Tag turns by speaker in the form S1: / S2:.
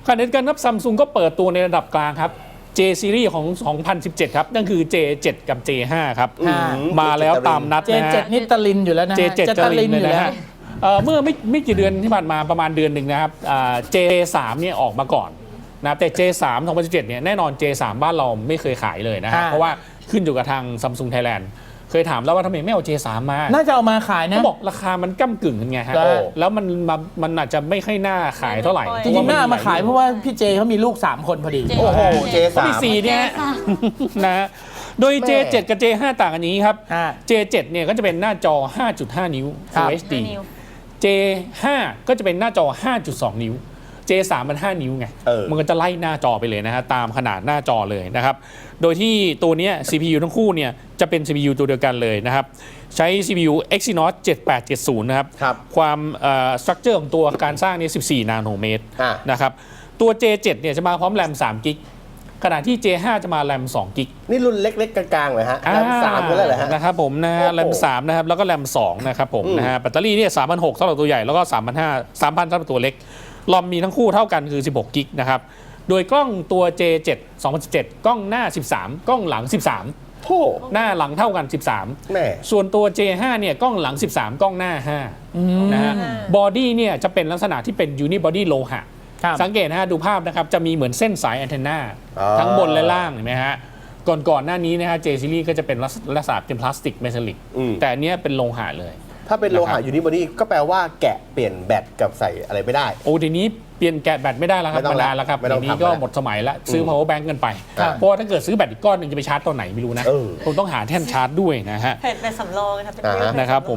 S1: ขณะเดียวกันครับซัมซุงก็เปิดตัวในระดับกลางครับ J Series ของ 2017 ครับ นั่นคือ J7 กับ J5 ครับมาแล้วตามนัดนะฮะ
S2: J7 นี่ตะลินอยู่แล้วนะ
S1: J7 จะลินเลยนะฮะเมื่อไม่กี่เดือนที่ผ่านมาประมาณเดือนหนึ่งนะครับJ3 เนี่ยออกมาก่อนนะแต่ J3 2017 เนี่ยแน่นอน J3 บ้านเราไม่เคยขายเลยนะฮะเพราะว่าขึ้นอยู่กับทาง Samsung Thailand เคยถามแล้วว่าทำไมไม่เอา J3 มา
S2: น่าจะเอามาขายนะ
S1: เขาบอกราคามันก้ำกึ่งกันไงฮะแล้วมันอาจจะไม่ค่อยน่าขายเท่าไหร่
S2: จริงๆน่ามาขายเพราะว่าพี่เจเขามีลูก3คนพอดี
S3: โอ้โห J3
S1: มี4เนี่ยนะโดย J7 กับ J5 ต่างกันอย่างนี้ครับ J7 เนี่ยก็จะเป็นหน้าจอ 5.5 นิ้ว Full HD J5 ก็จะเป็นหน้าจอ 5.2 นิ้ว J3 มัน 5 นิ้วไงมันก็จะไล่หน้าจอไปเลยนะฮะตามขนาดหน้าจอเลยนะครับโดยที่ตัวนี้ CPU ทั้งคู่เนี่ยจะเป็น CPU ตัวเดียวกันเลยนะครับใช้ CPU Exynos 7870 นะครับความstructure ของตัวการสร้างนี่14 นาโนเมตรนะครับตัว J7 เนี่ยจะมาพร้อมแรม3กิกขณะที่ J5 จะมาแรม2กิก
S3: นี่รุ่นเล็กๆกลางๆเลยฮะแรม3ก็แล้วเหรอฮะ
S1: นะครับผมนะฮะแรม3นะครับแล้วก็แรม2นะครับผมนะฮะแบตเตอรี่เนี่ย 3,600 สำหรับตัวใหญ่แล้วก็ 3,500 3,000 สำหรับตัวเล็กลอมมีทั้งคู่เท่ากันคือ16กิกนะครับโดยกล้องตัว J7 2017 กล้องหน้า13กล้องหลัง13หน้าหลังเท่ากัน13ส่วนตัว J5 เนี่ยกล้องหลัง13กล้องหน้า5นะฮะบอดี้เนี่ยจะเป็นลักษณะที่เป็นยูนิบอดี้โลหะสังเกตนะฮะดูภาพนะครับจะมีเหมือนเส้นสายแอนเทนนาทั้งบนและล่างเห็นไหมฮะก่อนหน้านี้นะฮะ J Series ก็จะเป็นลักษณะเป็นพลาสติกเมทัลลิกแต่อันนี้เป็นโลหะเลย
S3: ถ้าเป็นโลหะยูนิบอดี้ก็แปลว่าแกะเปลี่ยนแบตกับใส่อะไรไม่ได้
S1: โอ้ทีนี้เปลี่ยนแกะแบตไม่ได้แล้วครับมานานแล้วครับทีนี้ก็หมดสมัยแล้วซื้อ power bank กันไปเพราะถ้าเกิดซื้อแบตอีกก้อนหนึ่งจะไปชาร์จตอนไหนไม่รู้นะคงต้องหาแท่นชาร์จด้วยนะฮะ
S4: แบตสำรองนะครับ
S1: นะครับผม